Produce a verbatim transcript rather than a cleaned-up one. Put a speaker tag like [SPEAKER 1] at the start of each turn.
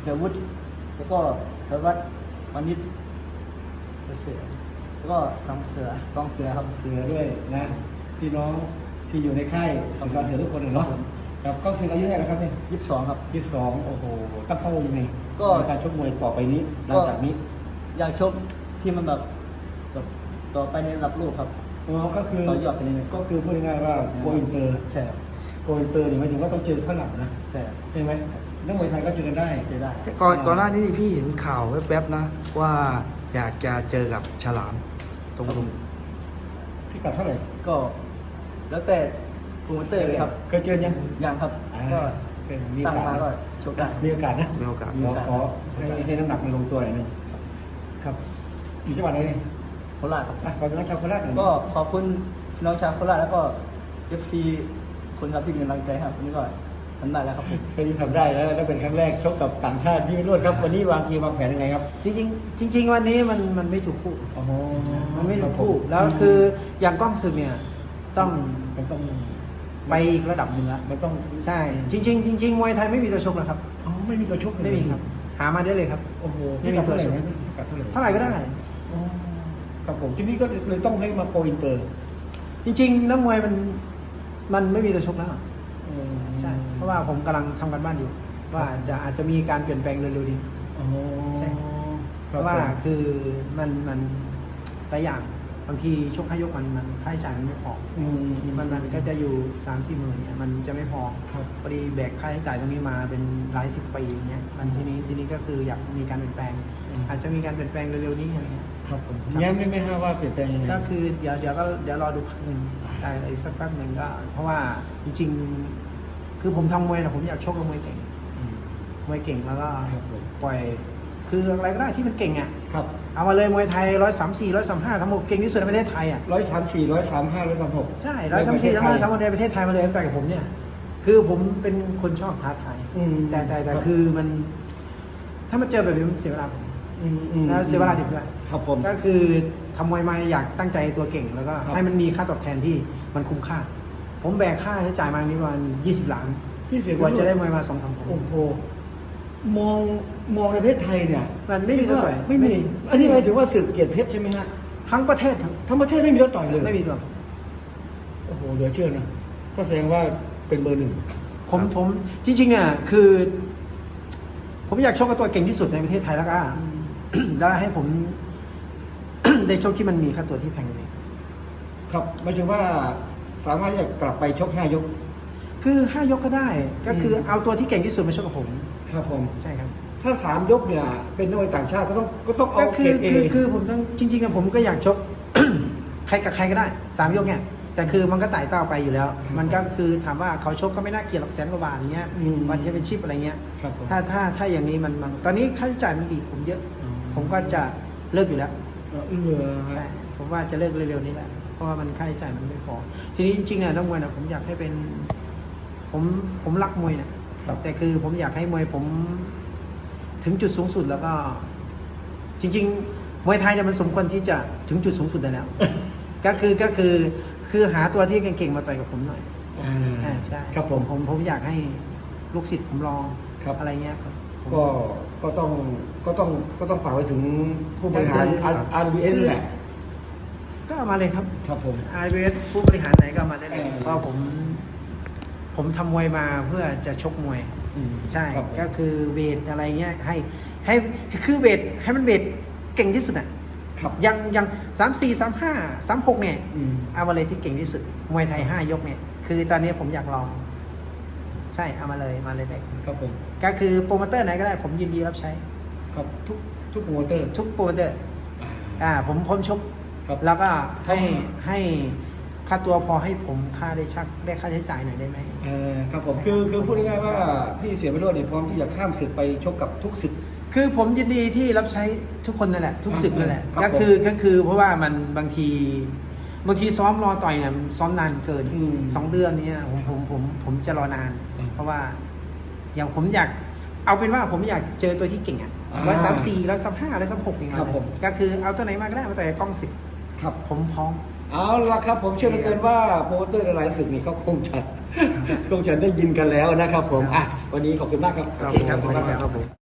[SPEAKER 1] เสือวุฒิแล้วก็สารวัตรวานิชเสือแล้วก็กองเสือกองเสือครับ
[SPEAKER 2] เสือด้วยนะพี่น้องที่อยู่ในค่ายสังกัดเสือทุกคนเลยเนาะครับก็คืออายุเท่าไหร่ครับเนี่ย
[SPEAKER 1] ยี่สิบสองครับ
[SPEAKER 2] ยี่สิบสองโอ้โหตั้งเป้ายังไง
[SPEAKER 1] ก็
[SPEAKER 2] การชกมวยต่อไปนี้หลังจากนี้
[SPEAKER 1] อยากชกที่มันแบบแบบต่อไปในระดับโลกครับ
[SPEAKER 2] อ๋อก็คือ
[SPEAKER 1] ต่อยอดไปเลย
[SPEAKER 2] ก็คือพูดง่ายๆว่าโกอินเตอร์
[SPEAKER 1] ใช่
[SPEAKER 2] โกอินเตอร์นี่หมายถึงว่าต้องเจอฝรั่งนะ
[SPEAKER 1] ใช่
[SPEAKER 2] ใช่ไหมนักมวยไทยก็เจอกันได้
[SPEAKER 1] เจอได้
[SPEAKER 3] ก่อนก่อนหน้านี้พี่เห็นข่าวแวบๆนะว่าอยากจะเจอกับฉลามตรงลุง
[SPEAKER 2] พี่กัดเท่าไหร่
[SPEAKER 1] ก็แล้วแต่โปรโมเตอร์เลยครับ
[SPEAKER 2] เคยเจอยัง
[SPEAKER 1] ยังครับก็ตั้งมาก็ชกได้
[SPEAKER 2] มีโอกาสนะ
[SPEAKER 3] มีโอกาส
[SPEAKER 2] ขอให้ให้น้ำหนักมันลงตัวหน่อยนึงครับอยู่จังหวัดไหน
[SPEAKER 1] โคราชครับ
[SPEAKER 2] ขอบคุณน้องชาวโคราช
[SPEAKER 1] ก็ขอบคุณน้องชาวโคราชแล้วก็เอฟซีคนครับที่มีกำลังใจครับวันนี้ก็ทำได้แล้วครับผม
[SPEAKER 2] วันนี้ทำได้แล้วแล้วเป็นครั้งแรกชกกับต่างชาติพี่วิโรจน์ครับวันนี้วางทีวางแผนยังไงครับ
[SPEAKER 3] จริงๆจริง ๆ วันนี้มันมันไม่ถูกคู่
[SPEAKER 2] มั
[SPEAKER 3] นไม่ถูกคู่แล้วคืออย่างกล้องศึกเนี่ยต้อง
[SPEAKER 2] มันต้อง
[SPEAKER 3] ไปอีกระดับหนึ่งละ
[SPEAKER 2] มันต้อง
[SPEAKER 3] ใช่จริงๆจริงๆมวยไทยไม่มีตัวชกนะครับ
[SPEAKER 2] อ๋อไม่มีตัวชก
[SPEAKER 3] ไม่มีครับหามาได้เลยครับ
[SPEAKER 2] โอ้โห
[SPEAKER 3] ไม่มีตัวชกเท่าไหร่ก็ได้
[SPEAKER 2] ครับผมทีนี้ก็เลยต้องให้มาโกอินเตอร์
[SPEAKER 3] จริงๆนักมวยมันมันไม่มีตัวชกแล้วใช่เพราะว่าผมกำลังทำกันบ้านอยู่ว่าจะอาจจะมีการเปลี่ยนแปลงเร็วๆนี้ใช่เพราะว่าคือมันมันหลายอย่างบางทีชกให้ยกมันมันค่าใช้จ่ายมันไม่พอมันมันก็จะอยู่สามสี่หมื่นเนี่ยมันจะไม่พอพอดีแบกค่าใช้จ่ายตรงนี้มาเป็นหลายสิบปีอย่างเงี้ยมันทีนี้ทีนี้ก็คืออยากมีการเปลี่ยนแปลงอาจจะมีการเปลี่ยนแปลงเร็วๆนี้อะไรเงี้ย
[SPEAKER 2] ครับผมย้ำไม่ไม่ห้าว่าเปลี่ยนแปลงยังไง
[SPEAKER 3] ก็คือเดี๋ยวเดี๋ยวก็เดี๋ยวรอดูพักหนึ่งได้อีกสักแป๊บหนึ่งก็เพราะว่าจริงๆคือผมทำมวยนะผมอยากชกกับมวยเก่งมวยเก่งแล้วก็ปล่อยคืออะไรก็ได้ที่มันเก่งอ่ะ
[SPEAKER 2] ครับ
[SPEAKER 3] เอามาเลยมวยไทยร้อยสามสี่ร้อยสามห้าทั้งหมดเก่งที่สุดในประเทศไทยอ่ะ
[SPEAKER 2] ร้อยสามสี่ร้อยสามห้าร้อยสามหก
[SPEAKER 3] ใช่ร้อยสามสี่ร้อยสามห้าสามหกในประเทศไทยมาเลยตั้งแต่กับผมเนี่ยคือผมเป็นคนชอบท้าทายแต่แต่แต่คือมันถ้ามันเจอแบบนี้มันเสียเวลาผมแล้วเสียเวลาดิบด้วย
[SPEAKER 2] ครับผม
[SPEAKER 3] ก็คือทำมวยมาอยากตั้งใจตัวเก่งแล้วก็ให้มันมีค่าตอบแทนที่มันคุ้มค่าผมแบกค่าใช้จ่ายมานี้ประมาณยี่สิบล้านกว่าจะได้มวยมาสองสามผม
[SPEAKER 2] โอ้โหมองมองในประเทศไทยเนี่ย
[SPEAKER 3] มันไม่มีตัวต่อย
[SPEAKER 2] ไม่มีอันนี้หมายถึงว่าศึกเกียรติเพชรใช่ไหมฮะ
[SPEAKER 3] ทั้งประเทศครับ
[SPEAKER 2] ทั้งประเทศไม่มีตัวต่อยเลย
[SPEAKER 3] ไม่มีตัว
[SPEAKER 2] โอ้โหเหลือเชื่อนะก็แสดงว่าเป็นเบอร์หนึ่ง
[SPEAKER 3] ผมผมจริงๆเนี่ยคือ ผมอยากชกกับตัวเก่งที่สุดในประเทศไทยแล้วก็ได้ให้ผม ได้ชกที่มันมีค่าตัวที่แพงเลย
[SPEAKER 2] ครับหมายถึงว่าสามารถจะกลับไปชกห้ายก
[SPEAKER 3] คือห้ายกก็ได้ก็คือเอาตัวที่เก่งที่สุดมาชกกับผม
[SPEAKER 2] ครับผม
[SPEAKER 3] ใช่ครับ
[SPEAKER 2] ถ้าสามยกเนี่ยเป็นนักมวยต่างชาติก็ต้องก็ต้องเอา
[SPEAKER 3] คือคือคือผมต้องจริงๆนะผมก็อยากชก ใครกับใครก็ได้สามยกเนี่ยแต่คือมันก็ไต่เต้าไปอยู่แล้วมันก็คือถามว่าเขาชกก็ไม่น่าเกลียดหรอกแสนกว่าบาทอย่างเงี้ยวันแชมเปี้ยนชิพอะไรเงี้ยถ้าถ้าถ้าอย่างนี้มันมันตอนนี้ค่าใช้จ่ายมันอีกผมเยอะผมก็จะเลิกอยู่แล้วใช่ผมว่าจะเลิกเร็วๆนี้แหละเพราะว่ามันค่าใช้จ่ายมันไม่พอทีนี้จริงๆเนี่ยนักมวยนะผมอยากให้เป็นผมผมรักมวยนะแต่คือผมอยากให้มวยผมถึงจุดสูงสุดแล้วก็จริงๆมวยไทยเนี่ยมันสมควรที่จะถึงจุดสูงสุดได้แล้ว ก็คือก็คือคือหาตัวที่เก่งๆมาต่อยกับผมหน่อยอ่าใช่
[SPEAKER 2] ครับผม
[SPEAKER 3] ผมผมอยากให้ลูกศิษย์ผมลองอะไรเงี้ยครับ
[SPEAKER 2] ก็ก็ต้องก็ต้องก็ต้องฝากไว้ถึงผู้บริหาร อาร์ บี เอส แหละ
[SPEAKER 3] ก็มาเลยครับ
[SPEAKER 2] ครับผม
[SPEAKER 3] อาร์ บี เอส ผู้บริหารไหนก็มาได้เลยเพราะผมผมทำมวยมาเพื่อจะชกมวยใช่ก็คือเวทอะไรเงี้ยให้ให้คือเวทให้มันเวทเก่งที่สุดอ่ะยังยังสามสี่สามห้าสามหกเนี่ยเอามาเลยที่เก่งที่สุดมวยไทยห้ายกเนี่ยคือตอนนี้ผมอยากลองใช่เอามาเลยมาเลยได้
[SPEAKER 2] ครับผม
[SPEAKER 3] ก็คือโปรโมเตอร์ไหนก็ได้ผมยินดีรับใช้
[SPEAKER 2] ครับทุกทุกโปรโมเตอร์
[SPEAKER 3] ทุกโปรโมเตอร์อ่าผมผมชกแล้วก็ให้ให้ค่าตัวพอให้ผมค่าได้ชักได้ค่าใช้จ่ายหน่อยได้ไหม
[SPEAKER 2] เออครับผมคือคือพูดง่ายๆว่าพี่เสียไปรวดเนี่ยพร้อมที่จะข้ามศึกไปชกกับทุกศึก
[SPEAKER 3] คือผมยินดีที่รับใช้ทุกคนนั่นแหละทุกศึกนั่นแหละก็คือก็คือเพราะว่ามันบางทีบางทีซ้อมรอต่อยเนี่ยซ้อมนานเกินสองเดือนนี้ผมผมผมผมจะรอนานเพราะว่าอย่างผมอยากเอาเป็นว่าผมอยากเจอตัวที่เก่งอ่ะร้อยสามสี่ร้อยสามห้าร้อยสามหกอย่างเงี้ยก็คือเอาตัวไหนมาก็ได้มาต่อยกล้องสิบ
[SPEAKER 2] ครับ
[SPEAKER 3] ผมพร้อม
[SPEAKER 2] เอาละครับผมเชื่อเหลือเกินว่าโปรโมเตอร์หลายศึกนี่เขาคงจะคงจะได้ยินกันแล้วนะครับผมอ่ะวันนี้ขอบคุณมากครับ
[SPEAKER 3] โอเคครับขอบคุณครับผม